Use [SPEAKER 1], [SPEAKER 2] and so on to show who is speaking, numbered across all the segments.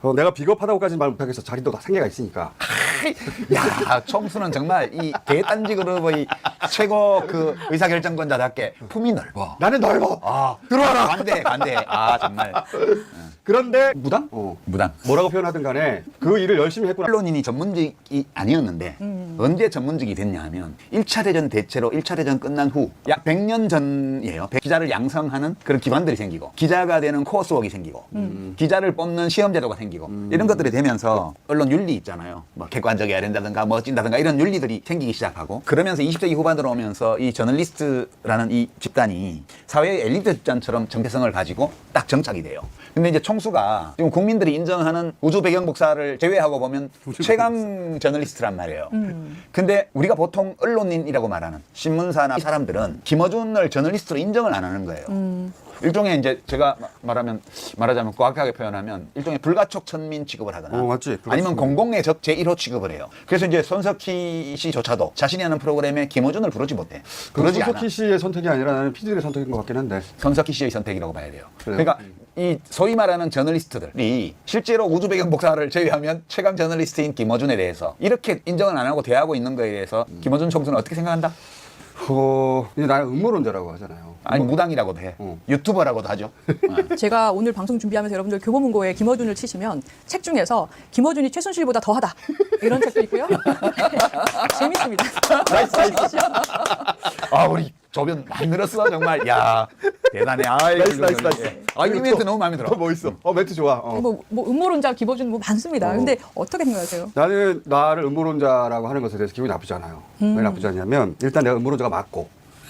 [SPEAKER 1] 내가 비겁하다고까지는 말 못하겠어. 자기도 다 생계가 있으니까.
[SPEAKER 2] 야, 총수는 정말 이 대단지 그룹의 최고 그 의사결정권자답게 품이 넓어.
[SPEAKER 1] 나는 넓어.
[SPEAKER 2] 아,
[SPEAKER 1] 들어와라.
[SPEAKER 2] 관대. 아, 정말.
[SPEAKER 1] 그런데 무당?
[SPEAKER 2] 무당.
[SPEAKER 1] 뭐라고 표현하든 간에 그 일을 열심히 했구나.
[SPEAKER 2] 언론인이 전문직이 아니었는데 언제 전문직이 됐냐 하면 1차 대전 대체로 1차 대전 끝난 후 약 100년 전이에요. 기자를 양성하는 그런 기관들이 생기고 기자가 되는 코어스웍이 생기고 기자를 뽑는 시험제도가 생기고 이런 것들이 되면서 언론 윤리 있잖아요. 뭐 객관적이어야 된다든가 멋진다든가 이런 윤리들이 생기기 시작하고 그러면서 20세기 후반으로 오면서 이 저널리스트라는 이 집단이 사회의 엘리트 집단처럼 정체성을 가지고 딱 정착이 돼요. 근데 이제 총수가 지금 국민들이 인정하는 우주 배경 복사를 제외하고 보면 최강 저널리스트란 말이에요. 근데 우리가 보통 언론인이라고 말하는 신문사나 사람들은 김어준을 저널리스트로 인정을 안 하는 거예요. 일종의 이제 제가 말하자면 고학하게 표현하면 일종의 불가촉 천민 취급을 하거나
[SPEAKER 1] 맞지.
[SPEAKER 2] 아니면 공공의 적 제1호 취급을 해요. 그래서 이제 손석희 씨조차도 자신이 하는 프로그램에 김어준을 부르지 못해. 그러지 않아.
[SPEAKER 1] 손석희 씨의 선택이 아니라 나는 피디들의 선택인 것 같긴 한데.
[SPEAKER 2] 손석희 씨의 선택이라고 봐야 돼요.
[SPEAKER 1] 그래요?
[SPEAKER 2] 그러니까 이 소위 말하는 저널리스트들이 실제로 우주 배경 복사를 제외하면 최강 저널리스트인 김어준에 대해서 이렇게 인정을 안 하고 대하고 있는 거에 대해서 김어준 총수는 어떻게 생각한다?
[SPEAKER 1] 이제 나는 음모론자라고 하잖아요.
[SPEAKER 2] 아니 무당이라고도 해. 유튜버라고도 하죠.
[SPEAKER 3] 제가 오늘 방송 준비하면서 여러분들 교보문고에 김어준을 치시면 책 중에서 김어준이 최순실보다 더하다 이런 책도 있고요. 재밌습니다.
[SPEAKER 2] 나이스. 아 우리 조변 많이 늘었어 정말. 야 대단해.
[SPEAKER 1] 나이스.
[SPEAKER 2] 이 멘트 너무 마음에 들어.
[SPEAKER 1] 뭐 있어? 멘트 좋아.
[SPEAKER 3] 뭐 음모론자 김어준 뭐 많습니다. 근데 어떻게 생각하세요?
[SPEAKER 1] 나는 나를 음모론자라고 하는 것에 대해서 기분이 나쁘지 않아요. 왜 나쁘지 않냐면 일단 내가 음모론자가 맞고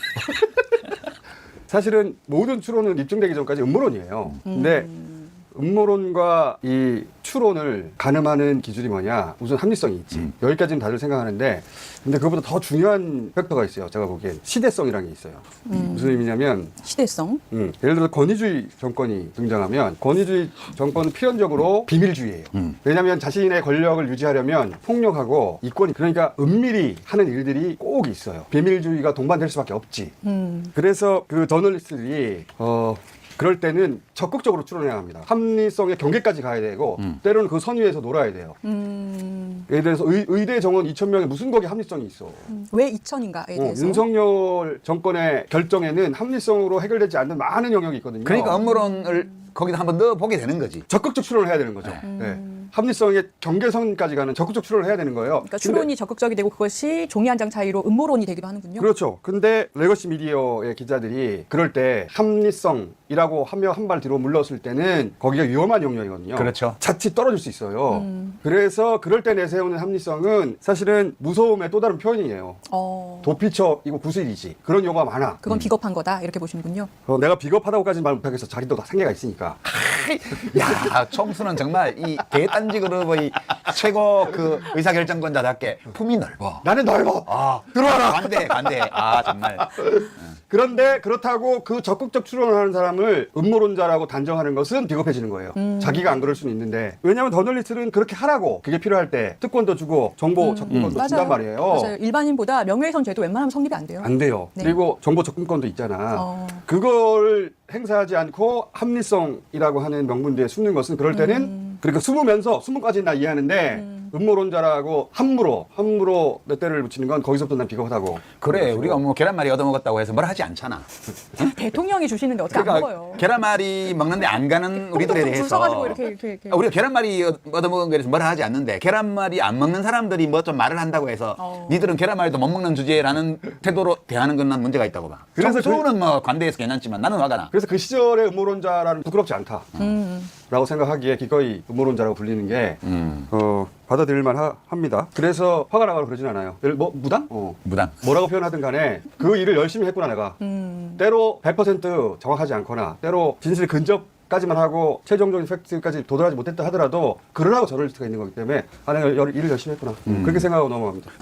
[SPEAKER 1] 사실은 모든 추론은 입증되기 전까지 음모론이에요. 근데 음모론과 이 추론을 가늠하는 기준이 뭐냐? 우선 합리성이 있지. 여기까지는 다들 생각하는데 근데 그것보다 더 중요한 팩터가 있어요. 제가 보기엔 시대성이라는 게 있어요. 무슨 의미냐면
[SPEAKER 3] 시대성.
[SPEAKER 1] 예를 들어 권위주의 정권이 등장하면 권위주의 정권은 필연적으로 비밀주의예요. 왜냐하면 자신의 권력을 유지하려면 폭력하고 이권이 그러니까 은밀히 하는 일들이 꼭 있어요. 비밀주의가 동반될 수밖에 없지. 그래서 그 저널리스트들이 그럴 때는 적극적으로 추론해야 합니다. 합리성의 경계까지 가야 되고 때로는 그 선 위에서 놀아야 돼요. 예를 들어서 의대 정원 2,000명에 무슨 거기 합리성이 있어.
[SPEAKER 3] 왜 2천인가에 대해서.
[SPEAKER 1] 윤석열 정권의 결정에는 합리성으로 해결되지 않는 많은 영역이 있거든요.
[SPEAKER 2] 그러니까 음모론을 거기다 한번 넣어 보게 되는 거지.
[SPEAKER 1] 적극적 추론을 해야 되는 거죠. 네. 합리성의 경계선까지 가는 적극적 추론을 해야 되는 거예요.
[SPEAKER 3] 그러니까 추론이 적극적이 되고 그것이 종이 한 장 차이로 음모론이 되기도 하는군요.
[SPEAKER 1] 그렇죠. 근데 레거시 미디어의 기자들이 그럴 때 합리성이라고 하며 한 발 뒤로 물렀을 때는 거기가 위험한 영역이거든요.
[SPEAKER 2] 그렇죠.
[SPEAKER 1] 자칫 떨어질 수 있어요. 그래서 그럴 때 내세우는 합리성은 사실은 무서움의 또 다른 표현이에요. 도피처이고 구슬이지. 그런 용어가 많아.
[SPEAKER 3] 그건 비겁한 거다 이렇게 보시는군요.
[SPEAKER 1] 내가 비겁하다고까지는 말 못하겠어. 자기도 다 생계가 있으니까.
[SPEAKER 2] 야, 총수는 정말 이 대단지 그룹의 최고 그 의사결정권자답게 품이 넓어.
[SPEAKER 1] 나는 넓어.
[SPEAKER 2] 아,
[SPEAKER 1] 들어와라.
[SPEAKER 2] 관대. 아, 정말.
[SPEAKER 1] 그런데 그렇다고 그 적극적 추론을 하는 사람을 음모론자라고 단정하는 것은 비겁해지는 거예요. 자기가 안 그럴 수는 있는데. 왜냐하면 저널리스트는 그렇게 하라고. 그게 필요할 때 특권도 주고 정보 접근권도 준단 말이에요.
[SPEAKER 3] 맞아요. 일반인보다 명예훼손 죄도 웬만하면 성립이 안 돼요.
[SPEAKER 1] 안 돼요.
[SPEAKER 3] 네.
[SPEAKER 1] 그리고 정보 접근권도 있잖아. 그걸 행사하지 않고 합리성이라고 하는 명분 뒤에 숨는 것은 그럴 때는 그러니까 숨으면까지는 나 이해하는데 음모론자라고 함부로 몇 대를 붙이는 건 거기서부터 난 비겁하다고.
[SPEAKER 2] 그래, 우리가 뭐 계란말이 얻어먹었다고 해서 뭘 하지 않잖아.
[SPEAKER 3] 대통령이 주시는데 어떻게 안 먹어요?
[SPEAKER 2] 계란말이 먹는데 안 가는 우리들에
[SPEAKER 3] 줄
[SPEAKER 2] 대해서
[SPEAKER 3] 서가지고 이렇게.
[SPEAKER 2] 우리가 계란말이 얻어먹은 거에 대해서 뭘 하지 않는데 계란말이 안 먹는 사람들이 뭐 좀 말을 한다고 해서 니들은 계란말이도 못 먹는 주제라는 태도로 대하는 건 난 문제가 있다고 봐.
[SPEAKER 1] 그래서
[SPEAKER 2] 총수는 뭐 관대해서 괜찮지만 나는 화가 나.
[SPEAKER 1] 그래서 그 시절의 음모론자라는 부끄럽지 않다. 라고 생각하기에 기꺼이 음모론자라고 불리는 게 받아들일만 합니다. 그래서 화가 나가고 그러진 않아요. 무당?
[SPEAKER 2] 무당.
[SPEAKER 1] 뭐라고 표현하든 간에 그 일을 열심히 했구나 내가. 때로 100% 정확하지 않거나 때로 진실 근접까지만 하고 최종적인 팩트까지 도달하지 못했다 하더라도 그러라고 저널리스트가 있는 거기 때문에 내가 일을 열심히 했구나. 그렇게 생각하고 넘어갑니다.